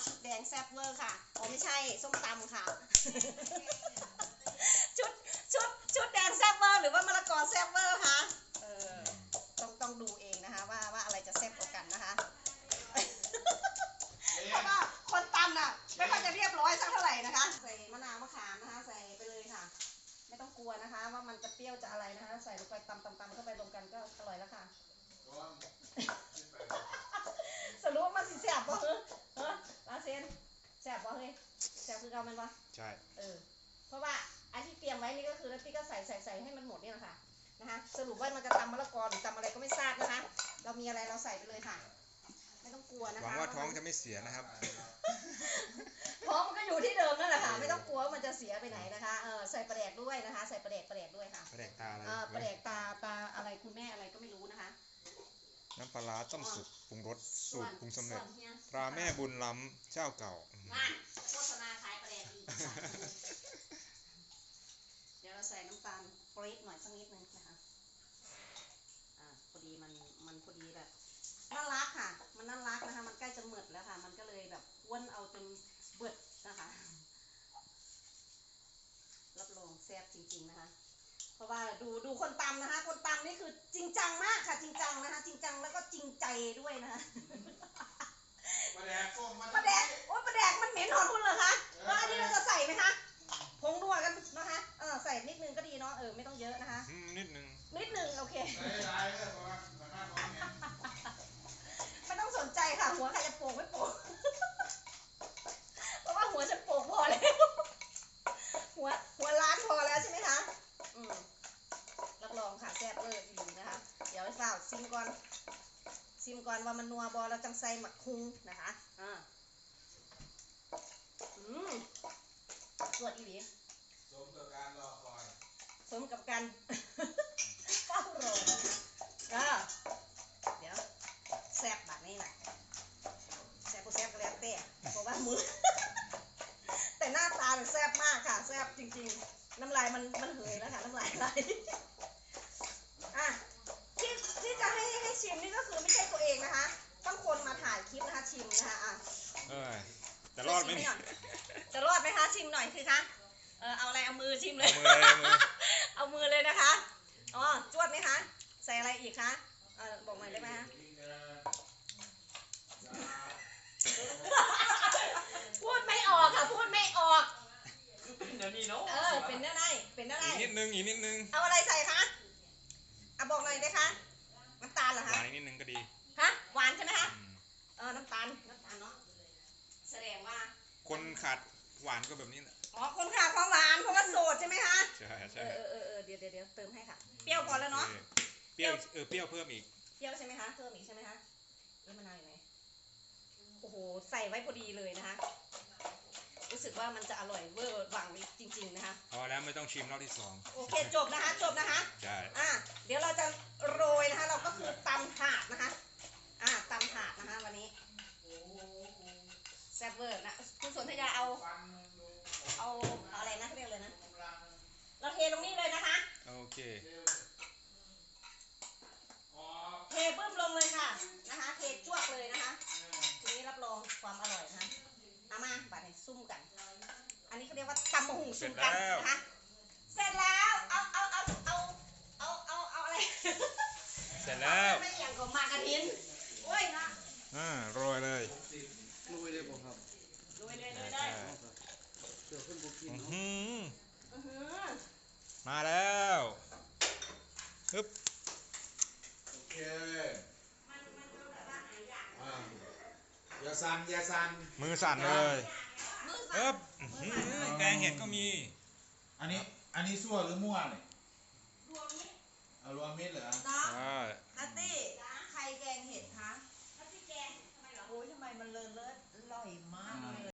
ชุดแดงแซ่บเวอร์ค่ะอ๋อไม่ใช่ส้มตำค่ะ ชุดชุดแดงแซ่บเวอร์หรือว่ามะละกอแซ่บเวอร์คะต้องดูเองนะคะว่าอะไรจะแซ่บกว่ากันนะคะเพราะว่าคนตำน่ะไม่ค่อยจะเรียบร้อยสักเท่าไหร่นะคะใส่มะนาวมะขามนะคะใส่ไปเลยค่ะไม่ต้องกลัวนะคะว่ามันจะเปรี้ยวจะอะไรนะคะใส่ลงไปตำเข้าไปรวมกันก็อร่อยแล้วค่ะสรุปว่ามันสิแซ่บป่ะลาเซนแซ่บป่ะเฮ้ยแซ่บคือเรามันป่ะใช่เพราะว่าอันที่เตรียมไว้นี่ก็คือแล้วพี่ก็ใส่ให้มันหมดนี่แหละค่ะนะคะสรุปว่ามันจะตำมะละกอหรือตำอะไรก็ไม่ทราบนะคะเรามีอะไรเราใส่ไปเลยค่ะไม่ต้องกลัวนะคะหวังว่าท้องจะไม่เสียนะครับท้องมันก็อยู่ที่เดิมนั่นแหละค่ะไม่ต้องกลัวว่ามันจะเสียไปไหนนะคะใส่ปลาแดกด้วยนะคะใส่ปลาแดกด้วยค่ะปลาแดกตาอะไรปลาแดกตาอะไรคุณแม่อะไรก็ไม่รู้นะคะน้ำปลาร้าต้มสุกปรุงรสสูตรปรุงสำเร็จตราแม่บุญล้ำเจ้าเก่าโฆษณาขายปลาแดกอีกเดี๋ยวเราใส่น้ำตาลปรี๊ดหน่อยสักนิดนึงนะคะพอดีมันพอดีแบบน่ารักค่ะมันน่ารักนะคะมันใกล้จะหมดแล้วค่ะมันก็เลยแบบอ้วนเอาจนเบิดนะคะรับรองแซ่บจริงๆนะคะเพราะว่าดูคนตำนะคะคนตำนี่คือจริงจังมากค่ะจริงจังนะคะจริงจังแล้วก็จริงใจด้วยนะคะปลาแดกโอ้ปลาแดกมันเหม็นหอมคุณเหรอคะว่าอันนี้เราจะใส่ไหมคะผงนัวกันนะคะใส่นิดนึงก็ดีเนาะไม่ต้องเยอะนะคะนิดนึงโอเคไม่ต้องสนใจค่ะหัวใครจะโป่งไม่โป่งเพราะว่าหัวฉันโป่งพอแล้วหัวล้านพอแล้วใช่ไหมคะรับรองค่ะแซ่บเลยดีนะคะเดี๋ยวให้สาวซิมก่อนว่ามันนัวบอแล้วจังใส่หมักคุ้งนะคะสวดอีหลีสมกับการรอคอยสมกับการเฝ้ารอเดี๋ยวแซ่บแบบนี้แหละแซ่บก็แล้วแต่เพราะว่ามือแต่หน้าตาแซ่บมากค่ะแซ่บจริงๆน้ำลายมันเหยแล้วค่ะน้ำลายไหลที่จะให้ชิมนี่ก็คือไม่ใช่ตัวเองนะคะต้องคนมาถ่ายคลิปนะคะชิมนะคะจะรอดไหมคะชิมหน่อยคือคะเอาอะไรเอามือชิมเลยเอามือเลยนะคะจวดไหมคะใส่อะไรอีกคะบอกหน่อยได้ไหมคะพูดไม่ออกค่ะพูดไม่ออกเป็นเนื้อนี่เนาะเป็นเนื้อในอีกนิดนึงเอาอะไรใส่คะบอกหน่อยได้คะน้ำตาลเหรอคะหวานนิดนึงก็ดีฮะหวานใช่ไหมคะน้ำตาลเนาะแสดงว่าคนขาดหวานก็แบบนี้แหละคนขาดความหวานเพราะว่าโสดใช่ไหมคะใช่เดี๋ยวเติมให้ค่ะเปรี้ยวพอแล้วเนาะเปรี้ยวเพิ่มอีกเปรี้ยวใช่ไหมคะเพิ่มอีกใช่ไหมคะมะนาวอยู่ไหนโอ้โหใส่ไว้พอดีเลยนะคะรู้สึกว่ามันจะอร่อยเวอร์หวังจริงๆนะคะพอแล้วไม่ต้องชิมรอบที่ 2โอเคจบนะคะใช่เดี๋ยวเราจะโรยนะคะเราก็คือตำถาดนะคะตำถาดนะคะวันนี้แซ่บเวอร์นะคุณสนธยาเอาอะไรนะเรียกเลยนะเราเทลงนี่เลยนะคะโอเคเทบึ้มลงเลยค่ะนะคะเทจ้วกเลยนะคะทีนี้รับรองความอร่อยนะคะมาบัดนี้ซุ่มกันอันนี้เขาเรียกว่าตำมะฮุ่งซุ่มกันนะคะเสร็จแล้วเอาอะไรเสร็จแล้วไม่อย่างกับมากระทินโอ้ยนะโรยเลยผมครับโรยเลยมาแล้วฮึบโอเคอย่าสั่นมือสั่นเลยฮึบแกงเห็ดก็มีอันนี้ซั่วหรือมั่วเนี่ย